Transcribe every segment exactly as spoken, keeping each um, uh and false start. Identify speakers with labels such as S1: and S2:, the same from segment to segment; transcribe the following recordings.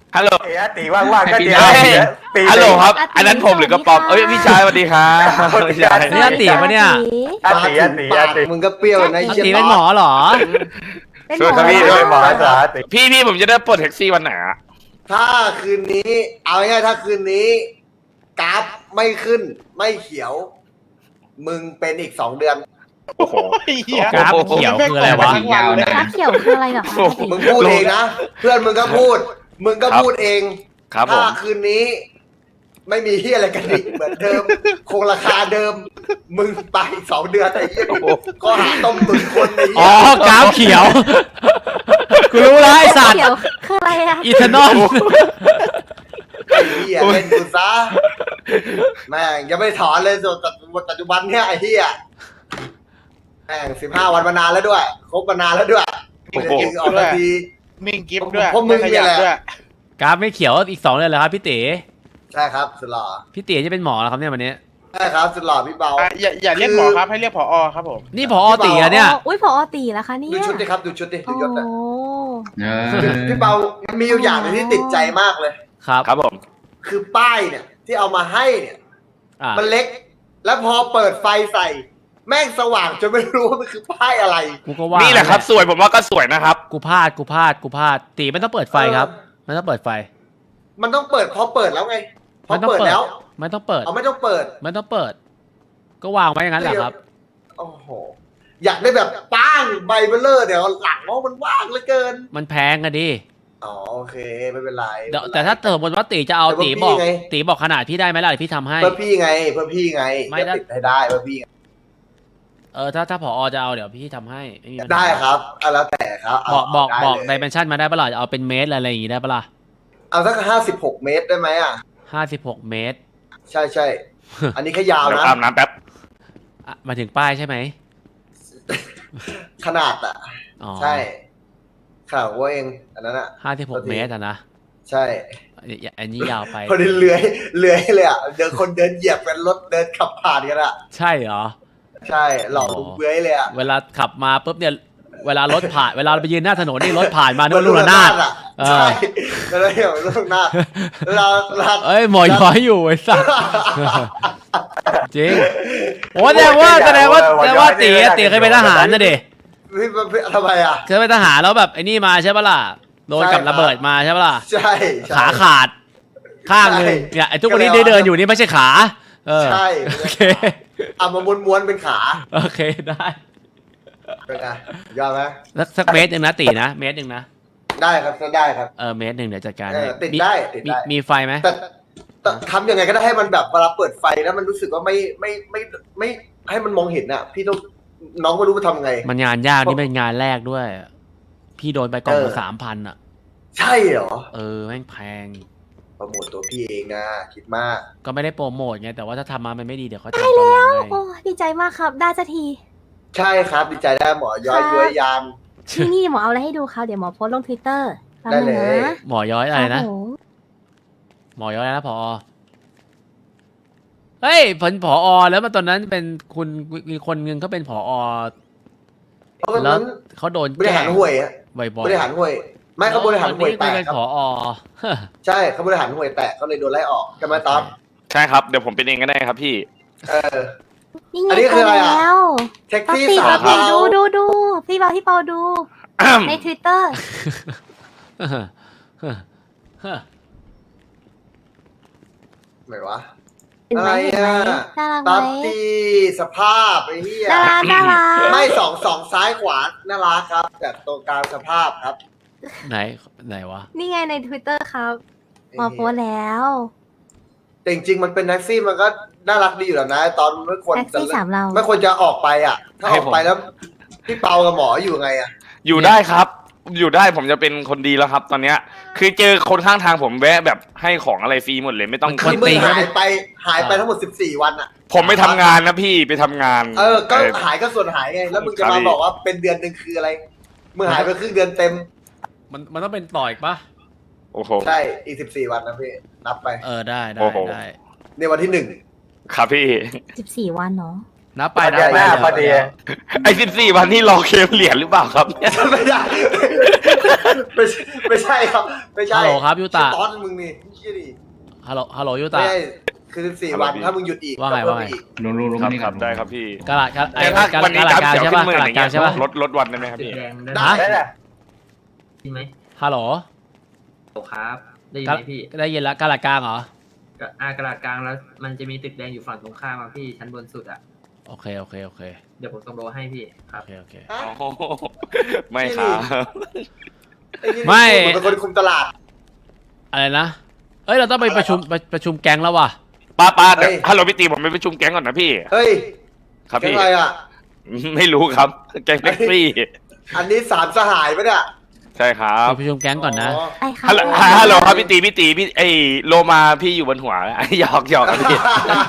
S1: ฮัลโหล
S2: เอ้ยตีว่างๆก็เดี๋ยว
S1: เฮ้ย
S2: ตี
S1: ฮัลโหลครับ
S3: อาติ
S1: อันนั้นผมหรือกระป๋อมเอ้ยพี่ชายสวัสดีครับพี่ชาย
S4: นี่อาติปะเนี่ย
S2: อาตีอาตีอาตี
S5: มึงก็เปรี้ยวนะ
S4: อา
S5: ไอ้
S4: ติ
S5: เชี่ย
S4: เป็นหมอเหรอ
S3: เป็น
S1: ช่วยครับพี่
S3: หม
S1: ด้
S3: อ
S1: วย
S2: หมอสาตี
S1: พี่พี่ผมจะได้ปลดแท็กซี่วันไหนอะ
S5: ถ้าคืนนี้ เอาง่ายๆถ้าคืนนี้กราฟไม่ขึ้นไม่เขียว มึงเป็นอีกสองเดือน
S1: โอ้โห
S4: กราฟเขียวคืออะไรวะ
S6: ยาวนะ
S3: ฟ้าเขียวคืออะไรเหรอคะ
S5: มึงพูดเองนะ เพื่อนมึงก็พูด มึงก็พูดเอง
S1: ครับผ
S5: ถ้าม คืนนี้ ไม่มีที่อะไรกันอีกเหมือนเดิม คงราคาเดิม มึงไปอีกสองเดือนไอ้เหี้ยก็หาต้มตุนคนไอ้
S4: อ๋
S5: เหี้
S4: อย กราฟเขียว กูรู้แล้วไอสัตว์
S3: เขียวคืออะไรอะ
S4: อีเทนอล
S5: ไอ้เหี้ยเล่นกูซะแม่งยังไม่ถอนเลยส่วนปัจจุบันเนี่ยไอ้เหี้ยแม่งสิบห้าวันมานานแล้วด้วยครบมานานแล้วด้วย
S1: โอ้โห
S5: จริงๆออกมาที
S6: มิ่งกิฟต์ด้วย
S5: พวกมึงเนี่ยแหละ
S6: ด้วย
S4: กราฟไม่เขียวอีกสองเดือนเลยครับพี่เต๋
S5: ใช่ครับสุดหล่อ
S4: พี่เต๋จะเป็นหมอแล้วครับเนี่ยวันนี้
S5: ใช่ครับสุดหล่อพี่เบา
S6: อ่ะอย่าอย่าเรียกหมอครับให้เรียกผอครับผม
S4: นี่พอตีอะเนี่ย
S3: อุ้ยผอตีแล้วคะเนี่ย
S5: ดูชุดดิครับดูชุดดิดู
S3: โอ้
S5: ยศนะ
S6: เออ
S5: พี่เบามันมีอยู่อย่างหนึงที่ติดใจมากเลย
S4: ครับ
S1: ครับผม
S5: คือป้ายเนี่ย ที่เอามาให้เนี่ย
S4: อ่ะ
S5: มันเล็ก แล้วพอเปิดไฟใส่ แม่งสว่างจนไม่รู้ว่ามันคือป้ายอะไร
S4: กูก็ว่า
S1: นี่แหละครับสวยผมว่าก็สวยนะครับ
S4: กูพลาดกูพลาดกูพลาดตีไม่ต้องเปิดไฟครับไม่ต้องเปิดไฟ
S5: มันต้องเปิดพอเปิดแล้วไงพอ
S4: ไม่ต้อง
S5: เปิด
S4: เปิด
S5: แล้ว
S4: ไม่ต้องเปิด
S5: เอาไม่ต้องเปิด
S4: ไม่ต้องเปิด ก็วางไว้อย่างนั้นแหละครับ
S5: โอ้โหอยากได้แบบป้างใบเบลเลอร์เดี๋ยวหลังเพราะมันว่างเหลือเกิน
S4: มันแพงอะดิ
S5: อ๋อโอเคไม่เป็นไร
S4: เดี๋ยวแต่ถ้าเติมบนว่าตีจะเอา
S5: แต่ว่า
S4: ตีบอก
S5: พี่ไง
S4: ตีบอกขนาดพี่ได้ไหมล่ะเดี๋ยวพี่ทำให้
S5: เพื่อพี่ไงเพื่อพี่ไง
S4: ไม่
S5: จะ
S4: ได้
S5: ติดให้ได้เพื่อพี่ไง
S4: เออถ้าถ้าผอจะเอาเดี๋ยวพี่ทำให้ไม่มีปัญหา
S5: ได้ครับเอาแล้วแต่ครับเา
S4: บอกบอก
S5: ได้
S4: บอก
S5: เลย
S4: ดิเมนชันมาได้ปะล่ะเอาเป็นเมตรอะไรอย่างงี้ได้ปะล่ะ
S5: เอาสักห้าสิบหกเมตรได้ไหมอ่ะ
S4: ห้าสิบหกเมตร
S5: ใช่ใช่ อันนี้แค่ยาว
S1: เดี๋ยว
S5: นะ
S1: อาบน้ำแป๊บ
S4: อ่ะมาถึงป้ายใช่ไหม
S5: ขนาดอ่ะ
S4: อ๋อ
S5: ใช่ข่าวว่าเองอันนั้นอ่ะ
S4: ห้าสิบหกเมตรอะนะ
S5: ใช่
S4: อันนี้อันนี้ยาวไป
S5: พอดีเลื้อยเลื้อยเลยอ่ะเดินคนเดินเหยียบกันรถเดินขับผ่านกันอ่ะ
S4: ใช่เหรอ
S5: ใช่หลอกลุงเลื้อยเลยอ่ะ
S4: เวลาขับมาปุ๊บเนี่ยเวลารถผ่านเวลาเราไปยืนหน้าถนนนี่รถผ่านมานึกว่าลูกระนาด
S5: อ่ะ
S4: เออ
S5: ใช่แล้วเราเห็นลูกระนาดเราเรา
S4: เอ้ยหมอย้อยอยู่ไอ้สัสจริงโอ้แสดงว่าแสดงว่าแสดงว่าตีอะตีเคยเป็นทหารนะเด็
S5: พี่พี่ทำไมอ่ะ
S4: เคยเป็นทหารแล้วแบบไอ้นี่มาใช่ปะล่ะโดนกับระเบิดมาใช่ปะล่ะ
S5: ใช่ใช่
S4: ขาขาด ข้างหนึง
S5: ใช่
S4: เนี่ยไอ้ทุกวันนี้ได้เดินอยู่นี่ไม่ใช่ขา เออ
S5: ใช่
S4: โอเค
S5: เอามาม้วนๆเป็นขา
S4: โอเคได้
S5: เป็นไงยอดไหม
S4: สักสักเมตรหนึ่งนะตีนะเมตรหนึ่งนะ
S5: ได้ครับได้ครับ
S4: เออเมตรหนึ่งเดี๋ยวจัดการ
S5: เอ
S4: ให้
S5: อติด
S4: มี
S5: ได้ติด
S4: มี
S5: ได้
S4: มีไฟไหม
S5: แต่แต่ทำยังไงก็ได้ให้มันแบบเวลาเปิดไฟแล้วมันรู้สึกว่าไม่ไม่ไม่ไม่ ให้มันมองเห็นอ่ะ พี่ต้องน้องไม่รู้จะทำไง
S4: มันงานยากนี่เป็นงานแรกด้วย พี่โดนไปกล่อง
S5: เอ
S4: ละ
S5: อ
S4: สามพันอ่ะ
S5: ใช่เหรอ
S4: เออแม่งแพง
S5: โปรโมทตัวพี่เองนะคิดมาก
S4: ก็ไม่ได้โปรโมทไงแต่ว่าถ้าทำมามันไม่ดีเดี๋ยวเขาจะทำตอนหลังให้
S3: โอ้ดีใจมากครับ ได้สักที
S5: ใช่ครับดีใจได้หมอย้อย
S3: ครับ
S5: ย้อยยาม
S3: นี่นี่หมอเอาอะไรให้ดูครับเดี๋ยวหมอโพสต์ลงทวิตเตอร์
S5: ได้เลย
S4: หมอย้อยอะไรนะ
S3: ครับผม
S4: หมอย้อยอะไรนะพอเฮ้ยผลผอแล้วมาตอนนั้นเป็นคุณมีคนหนึงเขาเป็นผอ
S5: เพราะว่า
S4: แล้ว
S5: นั้น
S4: เขาโดน
S5: บริ
S4: แกล้
S5: หารง ห่วยอะ
S4: บ่อยๆ
S5: บริหารห่วย ไม่เขาบริหารห่วยแต
S4: ล้ว
S5: ก
S4: เป็น
S5: ครับ
S4: ผอ
S5: ใช่เขาบริหารห่วยแตกเขาเลยโดนไล่ออกใช่ไหมต๊อบ
S1: ใช่ครับเดี๋ยวผมเป็นเองก็ได้ครับพี่
S5: เออ
S3: นี่ไง
S5: อันนี้คืออะไรอะ
S3: แล้ว
S5: แท็ก
S3: ปา
S5: ซี่
S3: ติ
S5: สา
S3: ปาติ
S5: เทา
S3: ดูดูดูพี่เปาพี่เปาดู ในทวิตเตอร์
S5: ไหนวะ
S3: เห็น
S5: อะ
S3: ไหม
S5: ไร
S3: เห็นไหม
S5: อ่ะ
S3: น่ารักไห
S5: ตับ
S3: ม
S5: ตีสภาพไอ้เหี้ย
S3: น่ารักน่ารัก
S5: ไม่สองสองซ้ายขวาน่ารักครับแต่ตรงกลางสภาพครับ
S4: ไหนไหนวะ
S3: นี่ไงในทวิตเตอร์ครับหมอโพสต์แล้ว
S5: แต่จริงๆมันเป็นแท็กซี่มันก็น่ารักดีอยู่แล้วนะ ตอนไม่ควร
S3: แท็กซี่สามเรา
S5: ไม่ควรจะออกไปอ่ะ ถ้าอ
S1: ให้
S5: อก
S1: ผม
S5: ไปแล้วพี่เปากับหมออยู่ไงอ่ะ
S1: อยู่ได้ครับ อยู่ได้ผมจะเป็นคนดีแล้วครับ ตอนเนี้ยคือเจอคนข้างทางผมแวะแบบให้ของอะไรฟรีหมดเลยไม่ต้อง
S4: มัน
S5: คือมึ
S4: ตี
S5: ง
S4: ก็
S5: หา
S4: ไม่
S5: ยไปหายไปทั้งหมดสิบสี่วันอ่ะ
S1: ผมไม่ทำงานนะพี่ไปทำงาน
S5: เออ ก็
S1: เออ
S5: หายก็ส่วนหายไง แล้วมึงจะ
S1: ครับ
S5: มา
S1: พี่
S5: บอกว่าเป็นเดือนหนึ่งคืออะไรมึงหายไปครึ่งเดือนเต็ม
S4: มันมันต้องเป็นต่ออีกปะ
S1: โอ้โห
S5: ใช่อีกสิบสี่วันนะพี่นับไป
S4: เออได้ได้
S1: โอ้โห
S4: ได้
S5: ในวันที่หนึ่ง
S1: ครับพี่
S3: สิบสี่วันเนาะ
S4: นับไปนับ
S2: เดือน
S4: ไป
S2: หน้าพอดี
S1: ไอ้สิบสี่วันนี่รอเคลมเหรียญหรือเปล่าครับเนี่ย
S5: ไม่ได้ไม่ใช่ไม่ใช่ครับไม่ใช่
S4: ฮัลโหลครับยูตะ
S5: ตอนมึงนี่เชี่ยดิ
S4: ฮัลโหลฮัลโหลยู
S5: ไม่
S4: ตา
S5: ใช่คือสิบสี่วันถ้ามึงหยุดอีก
S4: ว่าไง
S5: ก็เพิ่ม
S4: ว่าไง
S5: อีก
S7: ลุงลุงลุง
S1: ครับ
S7: นี่
S1: ครับได้ครับพี่
S4: กระดาษกระ
S1: แต่ถ้า
S4: ดาษ
S1: วันนี้
S4: กระ
S1: กรา
S4: ดาษ
S1: ฟ
S4: กลาง
S1: เขียว
S4: ใช่
S1: ขึ้
S4: ปะ
S1: นหมื่น
S4: กระ
S1: อ
S4: ดาษ
S1: ย่าง
S4: กลา
S1: เงี้
S4: ง
S1: ย
S4: ใช่ปะ
S1: ลดลดวันได้ไหมครับพี่
S8: แดงได้
S4: ฮะ
S2: ได้แหละ
S8: ยินไหม
S4: ฮัลโหล
S8: โอ้ครับ ได้ยิน
S4: กระ
S8: ไหมพี่
S4: ได้ยินแล้วกระดาษกลางเหรอ
S8: ก็อ่ากระดาษกลางแล้ว มันจะมีตึกแดงอยู่ฝั่งตรงข้ามอ่ะพี่ชั้นบนสุดอ่ะ
S4: โอเคโอเคโอเค
S8: เดี๋ยวผมส่งโลให้พี่ครั
S4: โอบ เคโอเค
S5: ฮะ
S1: โอ้โหไม่ครับ
S5: อ้นี่
S4: ไม่
S5: พูดเหมือนเป็นคนคุมตลาด
S4: อะไรนะเอ้ยเราต้องไปประชุมประประชุมแก๊งแล้วว่ะ
S1: ป้าป้าเดี๋ยว
S5: เฮ้ย
S1: ฮัลโหลพี่ตีผมไปประชุมแก๊งก่อนนะพี่
S5: เฮ้ย
S1: ครับ
S5: แก๊ง
S1: พี่
S5: อะไรอ่ะ
S1: ไม่รู้ครับแก๊งแท็กซี่
S5: อันนี้สามสหายปะเนี่ย
S1: ใช่ครับ
S4: ไปประชุมแก๊งก่อนนะ
S3: ไอ้ค่ะ
S1: ฮัลโหลฮัลโหลครับพี่ตีพี่ตีพี่ไอโลมาพี่อยู่บนหัวหยอกหยอกครับพี่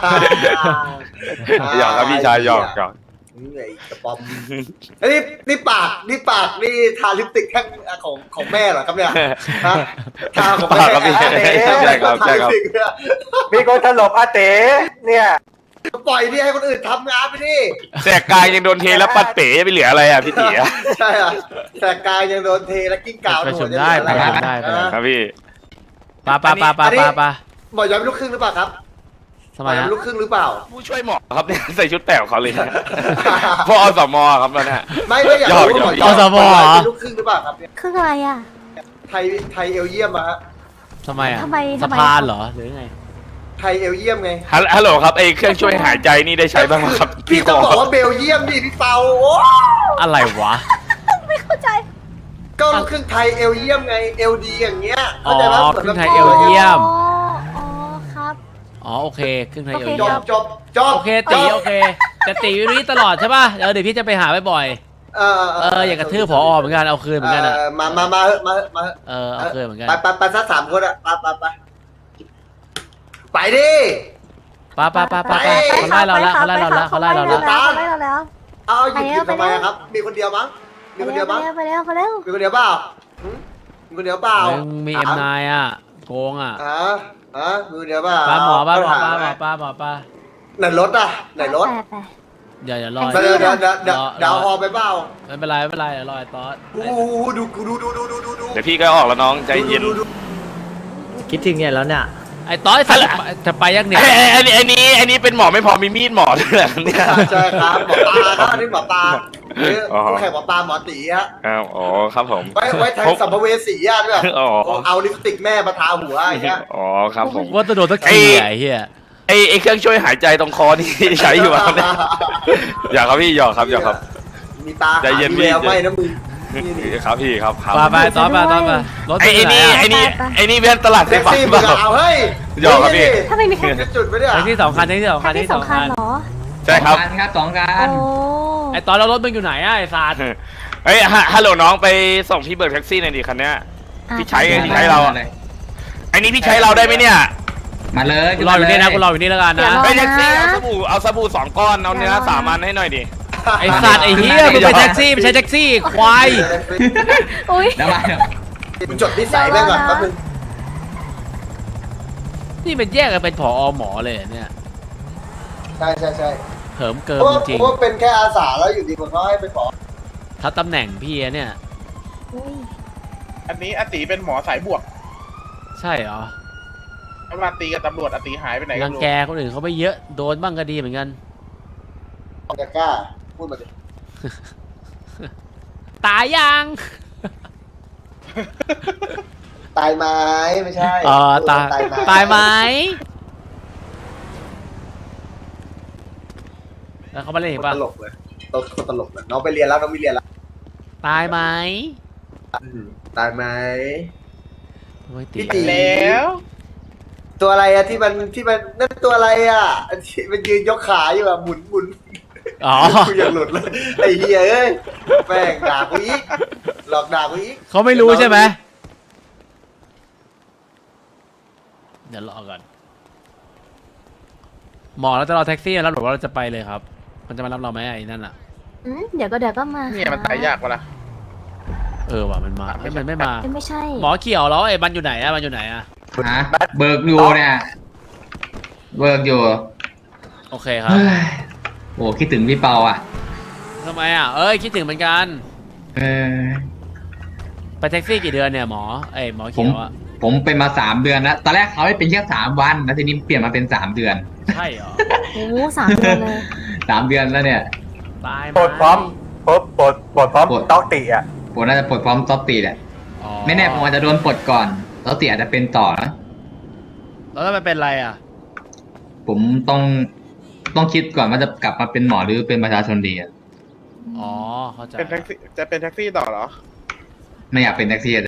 S1: หยอกครับพี่ชายหยอกหยอก
S5: นี่ไงกระป๋อมเอ้ยนี่นี่ปากนี่ปากนี่ทาลิปสติกแท่งของของแม่เหรอครับเนี่ยฮะทาของแม่
S1: ปากครับพี่ใช่ครับใช่ครับ
S5: ทาลิปสติกเนี่ย
S2: มีคนถลบอาเต๋เนี่ย
S5: ปล่อยนี่ให้คนอื่นทำงานไปดิ
S1: แสกกายยังโดนเทแล้วปัดเป๋ไปเหลืออะไรอ่ะพี่ตีอะ
S5: ใช่อ่ะแต่กายยังโดนเทและกิ้งก่าว
S4: ประชุม
S5: โดน
S4: ได้
S5: ยัง
S4: ประ
S5: เหลือ
S4: ชุ
S5: อะ
S4: ม
S5: ร
S4: ได้
S5: นะ
S1: ครับพี่
S4: ปาปาปาปาปาปา
S5: หมอย้อยเป็นลูกครึ่งหรือเปล่าครับ
S4: ทำ
S5: หม
S4: ไม
S5: อย้อย
S4: ฮะ
S5: เป็นลูกครึ่งหรือเปล่า
S1: ผู้ช่วยหมอครับเนี่ยใส่ชุดแป๋วเขาเลยนะพวกอสมครับแล้วเนี่ย
S5: ไม่ไม่อยาก
S1: หยอก
S5: รู้ว่าหมอ
S1: หย
S5: ย้
S1: อ
S5: อก ย
S4: อสมเหรอ
S5: เป็นลูกครึ่งหรือเปล่าครับเนี่ย
S3: คืออะไรอ่ะ
S5: ไทยไทยเอลเยี่ยมอะฮะ
S4: ทำไมอ่ะ
S3: ทำไม
S4: สะ
S3: ทำไม
S4: พานเหรอหรือไง
S5: ไทยเอลเยี่ยมไง
S1: ฮัลฮัลโหลครับไอเครื่องช่วยหายใจนี่ได้ใช้บ้างไหมครับ
S5: พี่ต้องบอกว่าเบลเยียมดิพี่เปาโอ้
S4: อะไรวะ
S3: ไม่เข้าใจ
S5: ก็ลูกครึ่งไทยเอลเยี่ยมไงเอลดีอย่างเงี้ย
S4: อ๋อ
S5: เข้าใจปะ
S4: ครึ่งไทยเอลเยี่ยม
S3: อ๋ออ๋อครับ
S4: อ๋อโอเคครึ่งไทยเอล
S3: โอเค
S5: จ
S4: เยี่ย
S5: บ
S4: ม
S5: จบจบ
S4: โอเคตีโอเคแต่ตีอยู่นี่ตลอดใช่ป่ะเดี๋ยวเดี๋ยวพี่จะไปหาบ่อย
S5: เออ
S4: ๆเอออยากกระทืบผอเหมือนกันเอาคืนเหมือนกันอ่ะ
S5: เออมามามาเถอะมาเถอะมาเถอะ
S4: เออเอาคืนเหมือนกัน
S5: ไปไปไปสักสามคนอะไปไปไปไปดิ
S4: ปาปาปาปาปาเขาไล่เราแล้วเขาไล่เราแล้วเขาไล่เราแล้ว
S3: เขาไล่เราแล้ว
S5: เอาหยุดหยุด
S3: ไป
S5: ทำไม
S3: แล้ว
S5: อะครับ มีคนเดียวมั้งมีคนเดียว
S3: ไป
S5: มั้ง
S3: แล้วไปแล้วไปแล้ว
S5: มีคนเดียวเปล่าหืมมีคนเดียวเปล่า
S4: เฮ้ยมึงมีเอ็มนายอ่ะโกงอ่ะ
S5: อ่าอ่ามีคนเดียวเปล่า
S4: ปาหมอปาหมอ
S5: เถ
S4: ปา
S5: อะ
S4: หมอปาหมอปา
S5: ไหนรถอะไหนรถ
S3: แต่แต่
S4: เดี๋ยวเดี๋ยวรอ
S5: เดี๋ยวเดี๋ยวเดี๋ยวเดี๋ยว
S4: รอ
S5: เดี๋ยวเอาฮอไปเปล่า
S4: ไม่เป็นไรไม่เป็นไรเดี๋ยวรอไอ้ตอส
S5: โอ้โหดูดูดูดูดูดูดู
S1: เดี๋ยวพี่ก็ออกแล้วน้องใจเย็น
S5: ดูดูดู
S8: คิดถึงเนี่ยแล้วเนี่ย
S4: ไอ้ตอสจะจะไปยังเนี่ย
S1: ไอ้ไอ้ไอ้นี้ไอ้นี้เป็นหมอไม่พอมีมีดหมอด้วยเหรอเนี่ย
S5: ใช่ครับหมอปลาครับอันนี้หมอปลานี่
S1: อ๋อ
S5: คู่แข่งหมอปลาหมอตีฮะ
S1: อ้าวอ๋อครับผม
S5: ไว้ไว้แทงสัมภเวสีอะด้วย
S1: อ๋อ
S5: เอาลิปสติกแม่มาทาหัวอย่างเงี้ย
S1: อ๋อครับผม
S4: ว่าจะโดนสักทีอ่ะไอ้เหี้ย
S1: ไอไอเครื่องช่วยหายใจตรงคอนี่ ใช้อยู่ครับเนี่ยอยากครับพี่หยอกครับหยอกครับ
S5: มีตา
S1: ใจเย็น
S5: มีแวว
S1: พี่
S5: ไหมนะมึงนี่นี่
S1: ครับพี่ครับครับ
S4: ปาไปตอสไปตอสไปรถ
S1: ไอ
S4: ไป
S1: ไอ
S4: ไหน
S1: นี่
S4: อ่ะ
S1: ไอนี่ไอนี่เพื่อนตลาดไฟ
S5: แท็ก
S1: ฟ้า
S5: ซี่
S1: เป
S5: มึง
S1: ล่า
S5: อะเอาเฮ้ย
S1: หยอกครับพี่
S3: ถ้าไม่มีแค่
S5: จะจุดไปเนี่ย
S4: แท็กซี่สองคันแท็กซี่สองคันแท็ก
S3: ที่
S4: ซี่สอง
S3: สำคั
S4: คั
S3: ญ
S4: น
S3: เหรอ
S1: ใช่ครับ
S7: สองการครับสองกา
S3: โอ้
S7: ร
S4: ไอ้ตอนแล้วรถมึงอยู่ไหนอ่ะไอ้สัตว์
S1: เฮ้ยฮะฮัลโหลน้องไปส่งพี่เบิร์ดแท็กซี่หน่อยดิคันเนี้ย พี่ใช้ไงพี่ใช้เราอะ ไอนี่พี่ใช้เราได้ไหมเนี่ย
S7: มาเลย
S4: กูรออยู่นี่นะกูรออยู่นี่แล้วกันนะ
S1: ไปแท็กซี่เอาสบู่เอาสบู่สองก้อนเอาเนื้อสามอันให้หน่อยดิ
S4: ไอ้สัตว์ไอ้เหี้ยมึงไปแท็กซี่ไม่ใช่แท็กซี่ควาย
S3: อุ้ย
S7: เดี๋ยวมาเดี๋ยว
S5: มึงจดนิสัยแม่งก่อนแป๊บนึง
S4: นี่เป็นแยกกันเป็นผอหมอเลยเหรอเนี่ย
S5: ใช่ใช่ใช่
S4: เหิมเกิ
S5: เพ
S4: ม
S5: ราะว่า
S4: จริง
S5: เพราะว่าเป็นแค่อาสาแล้วอยู่ดีคนเขาให้ไปขอ
S4: ๆทับตำแหน่งพี่อะเนี่ย
S3: อุ้ย
S6: อันนี้อาติเป็นหมอสายบวก
S4: ใช่เหรอ
S6: เวลาตีกับตำรวจอาติหายไปไหนกั
S4: รั
S6: น
S4: ง
S6: รู้
S4: แกคนอื่นเขาไปเยอะโดนบ้างก็ดีเหมือนกัน
S5: จะกล้าพูดมาดิ
S4: ตายยัง
S5: ตายไหมไม่ใช่
S4: เออตาย
S5: ตายไหม
S4: ตายไหมแล้วเขามาเล่นอีก
S5: ต
S4: ป่ะ
S5: ลกเลยตลกตลกเลยน้องไปเรียนแล้วน้องไม่เรียนแล้ว
S4: ตายไหม
S5: อืมตายไหม
S4: โอ้ยตี
S5: พี่ตี
S6: แล้ว
S5: ตัวอะไรอะที่มันที่มันนั่นตัวอะไรอะอันที่มันยืนยกขาอยู่อะหมุนหมุน
S4: อ๋อ
S5: กูยังหลุดเลยไอ้เหี้ยเอ้ยแม่งด่ากูอีกหลอกด่ากูอีก
S4: เขาไม่รู้ใช่ไหมเดี๋ยวรอก่อนหมอเราจะรอแท็กซี่แล้วหรือว่าเราจะไปเลยครับ มันจะมารับเราไหมไอ้นั่นอ่ะ
S3: อืมเดี๋ยวก็เดี๋ยวก็มา
S6: เนี่ยมันตายยากปะล่ะ
S4: เออว่ะมันมาเอ้ยมันไม่มา
S3: เอ้ยไม่ใช่
S4: หมอเขียวแล้วไอ้มันอยู่ไหนอะมันอยู่ไหนอะ
S7: ฮะเบิกอยู่เนี่ยเบิกอยู่
S4: โอเคครับ
S7: เฮ้ยโอ้คิดถึงพี่เปาอ่ะ
S4: ทำไมอ่ะเอ้ยคิดถึงเหมือนกัน
S7: เออ
S4: ไปแท็กซี่กี่เดือนเนี่ยหมอเอ้ยหมอ
S7: ผ
S4: เขี
S7: ม
S4: ยวอ่ะ
S7: ผมเป็นมาสามเดือนแล้วตอนแรกเขาให้เป็นแค่สามวันแล้วทีนี้เปลี่ยนมาเป็นสามเดือน
S4: ใช่เหรอ
S3: โอ้สามเดือนเลย
S7: สามเดือนแล้วเนี่ย
S4: ตายไห
S2: ปลดพร้อมปลดปลดปลดพร้อมต๊อกติอ่ะ
S7: ผมน่าจะปลดพร้อมต๊อปตีแหละ
S4: อ๋อ
S7: ไม่แน่ผมอาจจะโดนปลดก่อนต๊อปตีอาจจะเป็นต่อนะ
S4: แล้วถ้ามันเป็นอะไรอ่ะ
S7: ผมต้องต้องคิดก่อนว่าจะกลับมาเป็นหมอหรือเป็นประชาชนดีอะ
S4: อ๋อเข้าใจ
S6: เป็นแท็กซี่จะเป็นแท็กซี่ต่อเหรอ
S7: ไม่อยากเป็นแท็กซี่